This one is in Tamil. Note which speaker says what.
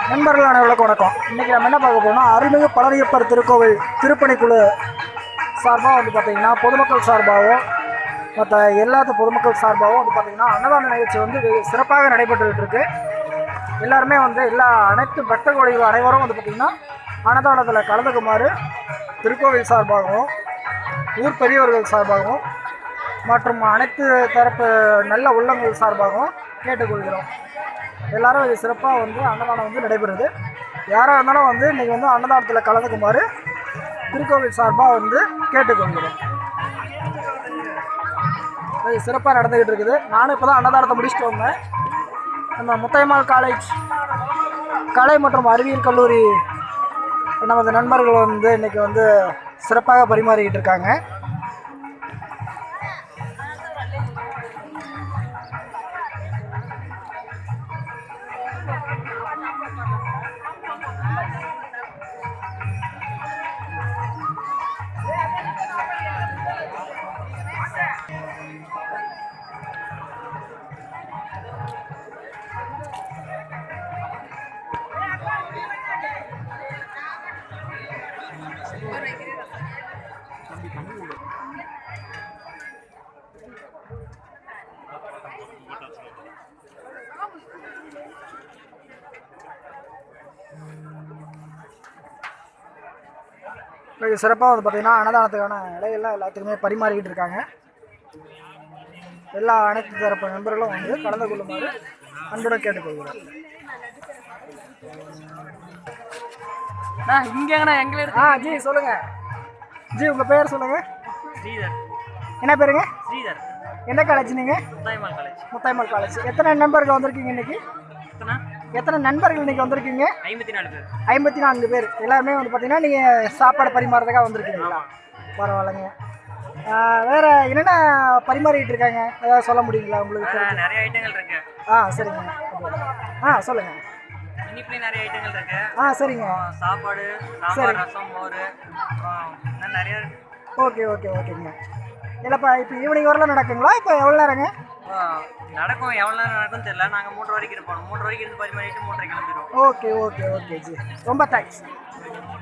Speaker 1: நண்பர்கள் அனைவருக்கும் வணக்கம். இன்றைக்கி நம்ம என்ன பார்க்க போகிறோம்னா, அருள்மிகு பழனியப்பர் திருக்கோவில் திருப்பணிக்குழு சார்பாக வந்து பார்த்திங்கன்னா பொதுமக்கள் சார்பாகவும் மற்ற எல்லாத்த பொதுமக்கள் சார்பாகவும் வந்து பார்த்திங்கன்னா அன்னதான நிகழ்ச்சி வந்து சிறப்பாக நடைபெற்றுக்கிட்டு இருக்கு. எல்லாருமே வந்து அனைத்து பக்த கோடிகள் அனைவரும் வந்து பார்த்திங்கன்னா அன்னதானத்தில் கலந்துக்குமாறு திருக்கோவில் சார்பாகவும் ஊர் பெரியவர்கள் சார்பாகவும் மற்றும் அனைத்து தரப்பு நல்ல உள்ளங்கள் சார்பாகவும் கேட்டுக்கொள்கிறோம். எல்லாரும் இது சிறப்பாக வந்து அன்னதானம் வந்து நடைபெறுது. யாராக இருந்தாலும் வந்து இன்றைக்கி வந்து அன்னதானத்தில் கலந்துக்குமாறு திருக்கோவில் சார்பாக வந்து கேட்டுக்கொள்கிறோம். இது சிறப்பாக நடந்துக்கிட்டு இருக்குது. நானும் இப்போ தான் அன்னதானத்தை முடிச்சுட்டு வந்தேன். நம்ம முத்தையம்மாள் காலேஜ் கலை மற்றும் அறிவியல் கல்லூரி நமது நண்பர்கள் வந்து இன்றைக்கி வந்து சிறப்பாக பரிமாறிக்கிட்டு இருக்காங்க. இது சிறப்பாக வந்து பார்த்திங்கன்னா அன்னதானத்துக்கான இலையெல்லாம் எல்லாத்துக்குமே பரிமாறிக்கிட்டு இருக்காங்க. எல்லா அனைத்து தரப்பு நண்பர்களும் வந்து கலந்து கொள்ளுமாறு அன்புடன் கேட்டுக்கொள்கிறோம். ஜி சொல்லுங்கள். ஜி உங்கள் பேர் சொல்லுங்கள்.
Speaker 2: ஸ்ரீதர்.
Speaker 1: என்ன பேருங்க?
Speaker 2: ஸ்ரீதர்.
Speaker 1: எந்த காலேஜ் நீங்கள்?
Speaker 2: முத்தாய்மாள் காலேஜ்.
Speaker 1: முத்தாய்மாள் காலேஜ். எத்தனை நண்பர்கள் வந்திருக்கீங்க இன்னைக்கு? எத்தனை நண்பர்கள் இன்னைக்கு வந்திருக்கீங்க?
Speaker 2: 54 பேர்.
Speaker 1: 54 பேர். எல்லாருமே வந்து பார்த்தீங்கன்னா நீங்கள் சாப்பாடு பரிமாறதுக்காக வந்திருக்கீங்களா? பரவாயில்லைங்க. வேறு என்னென்ன பரிமாறிக்கிட்டு இருக்காங்க, ஏதாவது சொல்ல முடியுங்களா உங்களுக்கு?
Speaker 2: நிறைய ஐட்டங்கள் இருக்கு.
Speaker 1: சரிங்க. சொல்லுங்கள்.
Speaker 2: இனிப்புலேயும் நிறைய ஐட்டங்கள் இருக்கு.
Speaker 1: சரிங்க.
Speaker 2: சாப்பாடு, சாம்பார், ரசம், மோர், நிறைய.
Speaker 1: ஓகேங்க. இல்லைப்பா, இப்போ ஈவினிங் வரலாம் நடக்குங்களா? இப்போ எவ்வளோ நேரங்க
Speaker 2: நடக்கும்? எவ்வளோ நேரம் நடக்கும்னு தெரியல. நாங்கள் 3 வரைக்கும் இருப்போம். 3 வரைக்கும் இருந்து பரிமாறிட்டு 3:30 கிளம்பிடுவோம்.
Speaker 1: ஓகே ஜி, ரொம்ப தேங்க்ஸ்.